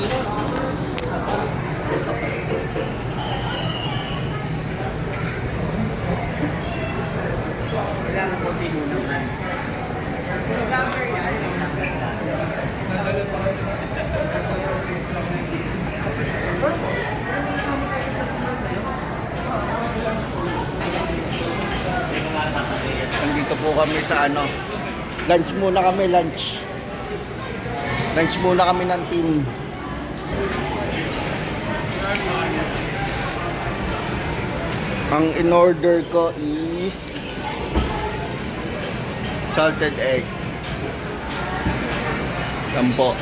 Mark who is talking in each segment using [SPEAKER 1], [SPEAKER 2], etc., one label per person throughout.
[SPEAKER 1] Kailangan ko din mo naman. Vlogger yan.
[SPEAKER 2] Nandito po kami sa ano. Lunch muna kami, lunch. Lunch muna kami ng team. Ang in-order ko is salted egg. Yan po.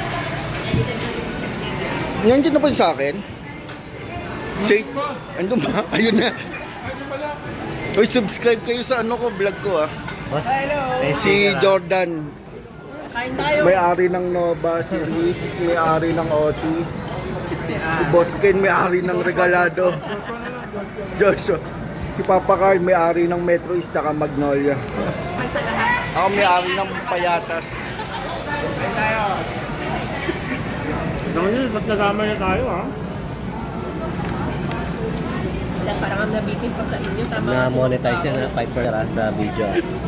[SPEAKER 2] Nandiyan na ba sa akin? Say, andun ba? Ayun na. Uy, subscribe kayo sa ano ko, vlog ko ah.
[SPEAKER 1] Hello!
[SPEAKER 2] Si Jordan.
[SPEAKER 1] Kain tayo!
[SPEAKER 2] May-ari ng Nova, si Luis, may-ari ng Otis. Si Boss Ken, may-ari ng Regalado. Joshua. Si Papa Carl, may-ari ng Metro East tsaka Magnolia.
[SPEAKER 1] Sa lahat.
[SPEAKER 2] Ako may-ari ng Payatas.
[SPEAKER 1] Kain tayo!
[SPEAKER 3] Naman ba't nagama na tayo ha?
[SPEAKER 1] Wala, parang ang nabitin pa sa inyo. Tama
[SPEAKER 3] Na-monetize yan na 5% sa video.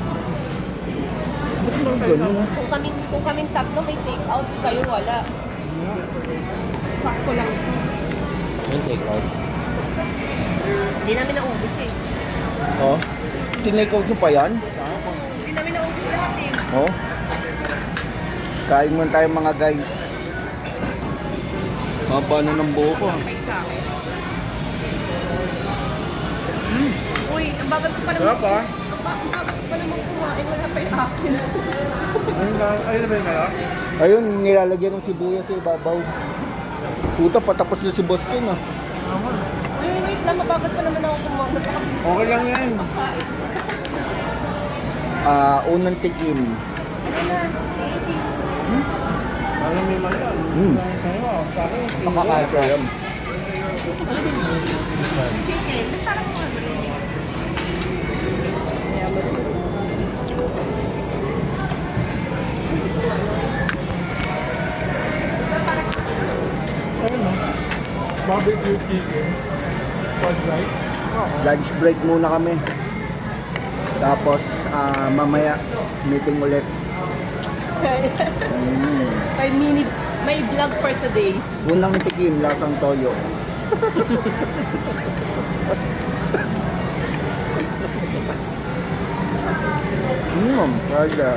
[SPEAKER 1] Kung kaming tatlo may take out, kayo wala. Sakto lang.
[SPEAKER 3] Yung take out.
[SPEAKER 1] Hindi namin naubos eh.
[SPEAKER 2] Oh, tinake out nyo pa yan?
[SPEAKER 1] Hindi namin naubos lahat eh.
[SPEAKER 2] Oh. Kain muna tayo mga guys. Haba na ng buho ko.
[SPEAKER 1] May sa akin. Uy, ang bagal ko pa naman.
[SPEAKER 3] Sarap ah.
[SPEAKER 1] Ang bagal ko pa naman kumain. Wala pa yung akin.
[SPEAKER 3] Ayun na ba yung kaya?
[SPEAKER 2] Ayun, nilalagyan ng sibuyas sa ibabaw. Puta, patapos na si Boss Ken ah.
[SPEAKER 1] Uy, wait lang. Mabagal pa naman ako kumain.
[SPEAKER 3] Okay lang yan.
[SPEAKER 2] Unang tikim.
[SPEAKER 3] Alam mo yung mali yan.
[SPEAKER 2] Pakakain ko yan.
[SPEAKER 1] Chicken. Parang mga
[SPEAKER 3] Ayun no? Barbecue chicken. Pag right?
[SPEAKER 2] Lunch break muna kami. Tapos, mamaya, meeting ulit.
[SPEAKER 1] May vlog for today.
[SPEAKER 2] Unang tikim, lasang toyo. Kaya.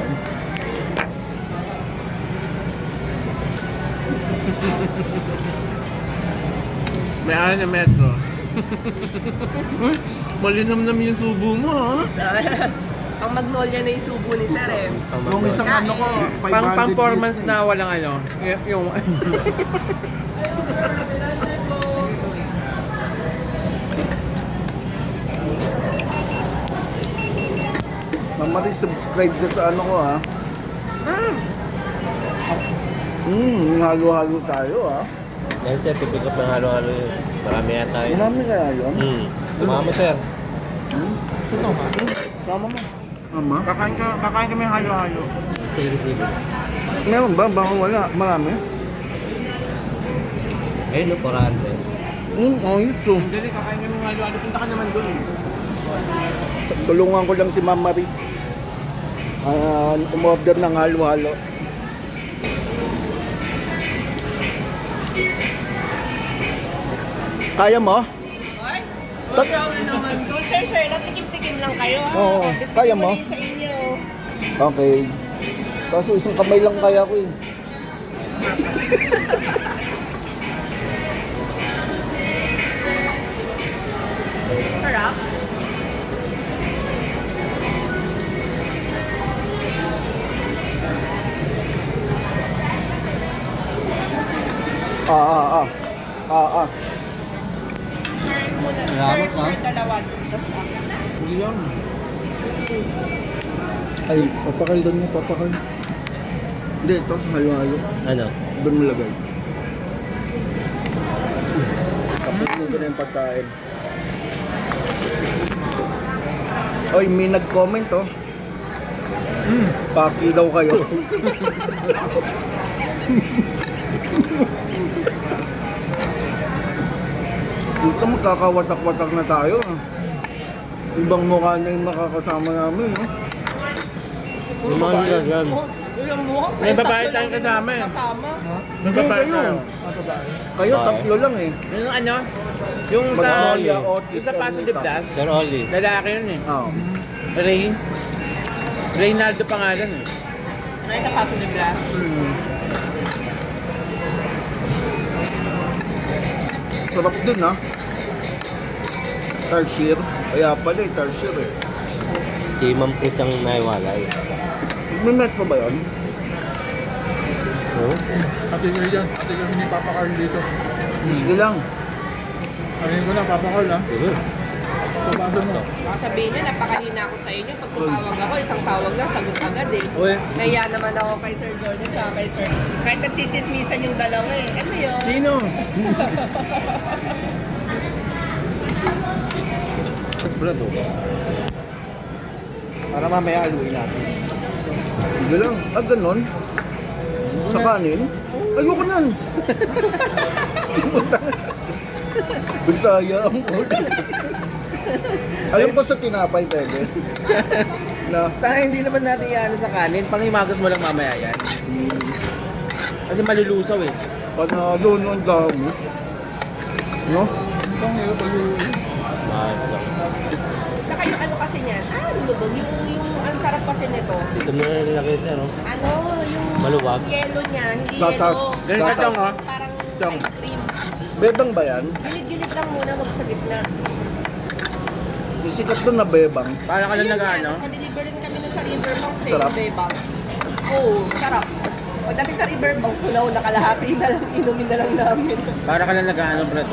[SPEAKER 3] May ano na metro. Malinamnam yung subo mo ha?
[SPEAKER 1] Ang Magnolia na yung subo ni Sir eh.
[SPEAKER 2] Yung isang ano ko, 500
[SPEAKER 3] Pang-performance
[SPEAKER 2] views
[SPEAKER 3] na walang ano. Yung...
[SPEAKER 2] Mamari, subscribe ka sa ano ko ha. Halo-halo tayo ha.
[SPEAKER 3] Yan sir, pipick up ng halo-halo yun. Marami yata yun.
[SPEAKER 2] Marami kaya yun.
[SPEAKER 3] Tumama sir.
[SPEAKER 2] Tama mo. Tama?
[SPEAKER 3] Kakain kami halo-halo.
[SPEAKER 2] Meron ba? Baka wala. Marami?
[SPEAKER 3] Ayun no, 400.
[SPEAKER 2] Ayos oh.
[SPEAKER 3] Hindi, kakain kami halo-halo. Punta ka naman doon.
[SPEAKER 2] Tulungan ko lang si Ma'am Maris. Umorder ng halo-halo. Kaya mo?
[SPEAKER 1] Ay, wala na naman ko. Sir, lang tikim-tikim lang kayo ha.
[SPEAKER 2] Oo, kaya mo?
[SPEAKER 1] Sa inyo.
[SPEAKER 2] Okay. Kaso isang kamay lang kaya ko eh.
[SPEAKER 1] Sarap. Sir, muna.
[SPEAKER 3] Salamat,
[SPEAKER 1] Sir, dalawa. Tapos ako.
[SPEAKER 3] Hindi lang.
[SPEAKER 2] Ay, papakal doon mo, papakal. Hindi, ito sa halo-halo.
[SPEAKER 3] Ano?
[SPEAKER 2] Doon mo lagay. Tapusin ko na yung pagkain. Oy, may nag-comment oh. Paki daw kayo. Dito magkakawatak-watak na tayo. Ibang mukha na yung makakasama namin, no?
[SPEAKER 3] Yung mga nilagyan.
[SPEAKER 1] Yung mo?
[SPEAKER 4] May babae tayong kasama eh.
[SPEAKER 1] Kasama?
[SPEAKER 4] May
[SPEAKER 2] Hindi,
[SPEAKER 4] babae
[SPEAKER 2] kayo.
[SPEAKER 4] tayo.
[SPEAKER 2] Kayo,
[SPEAKER 3] Babae.
[SPEAKER 2] tatlo lang eh.
[SPEAKER 4] Yung ano? Yung sa...
[SPEAKER 2] Magnolia, Otis,
[SPEAKER 4] Yung sa Paso de
[SPEAKER 2] Ermita.
[SPEAKER 4] Blas.
[SPEAKER 3] Sir Oli.
[SPEAKER 4] Lalaki yun eh.
[SPEAKER 2] Oo.
[SPEAKER 4] Ray. Reynaldo pangalan eh.
[SPEAKER 1] Ay, kapaso ni Blas.
[SPEAKER 2] Sarap din, ha? Tarsier. Kaya pala eh, tarsier eh.
[SPEAKER 3] Si Ma'am Chris ang naiwalay.
[SPEAKER 2] May met pa ba yun?
[SPEAKER 3] Oh?
[SPEAKER 5] Ate ko dyan. Ate kami ni Papa Carl dito.
[SPEAKER 2] Sige lang.
[SPEAKER 5] Ano ko na, Papa Carl ha?
[SPEAKER 3] Sige.
[SPEAKER 5] Pabasa mo.
[SPEAKER 1] Baka sabihin nyo, napakahina ako sa inyo. Pag tumawag ako, isang tawag lang, sagot agad eh.
[SPEAKER 4] Uy.
[SPEAKER 1] Naya naman ako kay Sir Jordan sa kay Sir. Kahit nagchichismisan yung dalawa eh. Ano yun?
[SPEAKER 4] Sino?
[SPEAKER 3] Mas brad oh.
[SPEAKER 4] Para mamaya aluin natin.
[SPEAKER 2] Sige lang. Ah, ganun? Sa kanin? Ayoko nan. Bisaya ang ulo. Alam ko sa tinapay, pwede. Na,
[SPEAKER 4] Tayo hindi naman natin iano sa kanin. Panghimagas mo lang mamaya yan. Kasi malulusaw eh.
[SPEAKER 2] panalo nun dami. No?
[SPEAKER 5] Itong hirap pag
[SPEAKER 3] Mahal lang.
[SPEAKER 1] Saka yung ano kasi niyan, lubog. Yung ang sarap kasi nito.
[SPEAKER 3] Dito mo na nilagay sir oh.
[SPEAKER 1] Ano, yung
[SPEAKER 3] Maluwag.
[SPEAKER 1] yellow niya, hindi
[SPEAKER 2] Tatas.
[SPEAKER 1] yellow.
[SPEAKER 4] Ganun ka dong ha?
[SPEAKER 1] Parang
[SPEAKER 4] Dong.
[SPEAKER 1] ice cream.
[SPEAKER 2] Bebang ba yan?
[SPEAKER 1] Gilid-gilid lang muna, wag sa gitna.
[SPEAKER 2] Yung sikat doon na bebang.
[SPEAKER 4] Para ka lang
[SPEAKER 1] Yun
[SPEAKER 4] nag-ano?
[SPEAKER 1] yan, pa-deliver rin kami nun sa Riverbank sa
[SPEAKER 2] Sarap.
[SPEAKER 1] Bebang. Oo, sarap. Pagdating sa Riverbank, tunaw na kalahati na lang, inumin na lang namin.
[SPEAKER 4] Para ka lang nag-ano, brad.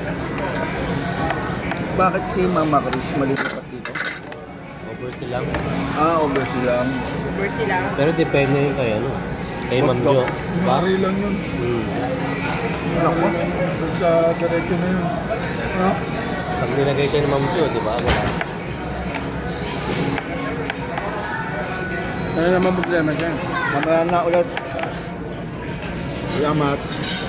[SPEAKER 2] Bakit si Mama Chris malilipat dito?
[SPEAKER 3] Over silang.
[SPEAKER 2] Over sila.
[SPEAKER 1] Uber sila.
[SPEAKER 3] Pero depende yun kay ano. Kay Ma'am Jo. Ba?
[SPEAKER 5] Mari lang yun.
[SPEAKER 3] Hmm.
[SPEAKER 2] Ako?
[SPEAKER 5] Sa diretso na yun. Ha?
[SPEAKER 3] Pag nilagay siya ni Ma'am Jo, di ba? Wala.
[SPEAKER 4] Ano naman problema dyan?
[SPEAKER 2] Mamaya na ulit. Salamat.